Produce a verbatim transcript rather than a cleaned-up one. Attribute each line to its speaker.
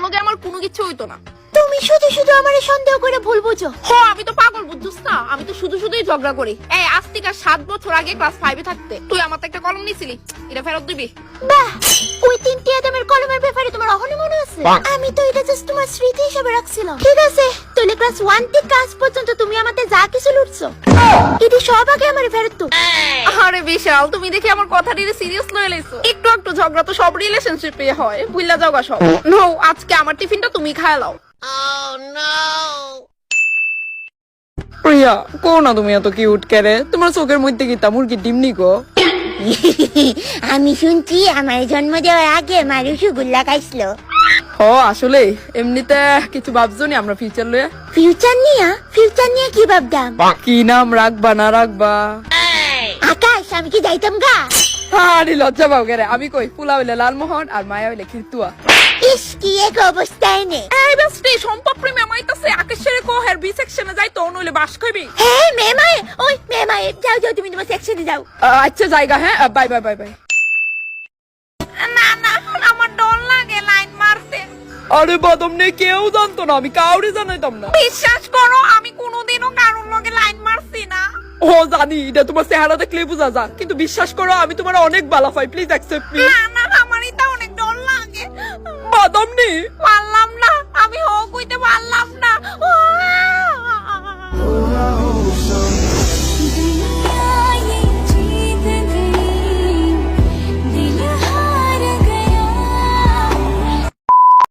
Speaker 1: লগে আমার কোনো কিছু হইতো না।
Speaker 2: তুমি শুধু শুধু আমারে সন্দেহ করে ভুল বুঝো।
Speaker 1: হ আমি তো পাগল বুঝছস না, আমি তো শুধু শুধুই ঝগড়া করি। এই আজ থেকে সাত বছর আগে ক্লাস ফাইভে থাকতে তুই আমার তো একটা কলম নিছিলি, এটা ফেরত দিবি।
Speaker 2: বাহ, ওই তিনটি আদমের কলমের ব্যাপারে তোমার এখনো মনে আছে? আমি তো এটা জাস্ট তোমার স্মৃতি হিসেবে রাখছিলাম। ঠিক আছে, তাহলে ক্লাস ওয়ান থেকে আজ পর্যন্ত তুমি আমাদের যা কিছু লুটছো এটি সব আগে আমার ফেরত তো।
Speaker 1: আরে বিশাল, তুমি দেখি আমার কথাটি সিরিয়াস লয়ে লাইছো। একটু একটু ঝগড়া তো সব রিলেশনশিপে হয়, ভুইলা যাওগা সব। নো, আজকে আমার টিফিনটা তুমি খায় লাও।
Speaker 3: প্রিয়া, কো না তুমি এত কিউট কেরে? তোমার চোখের মধ্যে কি তা মুরগির ডিম নিকো?
Speaker 2: আমি শুনছি আমার জন্ম দেওয়ার আগে মা রসগোল্লা খাইছিল।
Speaker 3: হ আসলে এমনিতে কিছু ভাবছো নি আমরা ফিউচার লয়ে?
Speaker 2: ফিউচার নিয়ে? ফিউচার নিয়ে কি ভাবতাম?
Speaker 3: কি নাম রাখবা না রাখবা?
Speaker 2: আকাশ, আমি কি যাইতাম গা?
Speaker 3: আরে লজ্জা পাও কেরে? আমি কই ফুলা হইলে লালমোহন আর মায়া হইলে খিরতুয়া।
Speaker 2: ইস, কি এক অবস্থায় নে।
Speaker 1: এই বেস্টি, সম্পর্ক প্রেমে আমাইতাছে আকাশের কো হের বি সেকশনে যাই তো নইলে বাস খাইবি।
Speaker 2: হ্যাঁ মেমায়ে, ওই মেমায়ে, যাও যাও তুমি তোমার সেকশনে যাও।
Speaker 3: আচ্ছা জায়গা, হ্যাঁ বাই বাই বাই বাই।
Speaker 1: না না, আমার ডর লাগে লাইন মারতে।
Speaker 3: আরে বাদম নেই, কেউ জানতো না, আমি কাউরে জানাইতাম না।
Speaker 1: বিশ্বাস করো, আমি কোনোদিনও কারোর লগে লাইন মারছি না।
Speaker 3: ও জানি, এটা তোমার চেহারা দেখলে বোঝা যা, কিন্তু বিশ্বাস করো আমি তোমার অনেক ভালো পাই, প্লিজ অ্যাকসেপ্ট মি।
Speaker 1: না না, আমার এটা অনেক ডর লাগে।
Speaker 3: বাদম নেই
Speaker 1: পারলাম না, আমি হ কইতে পারলাম না। ও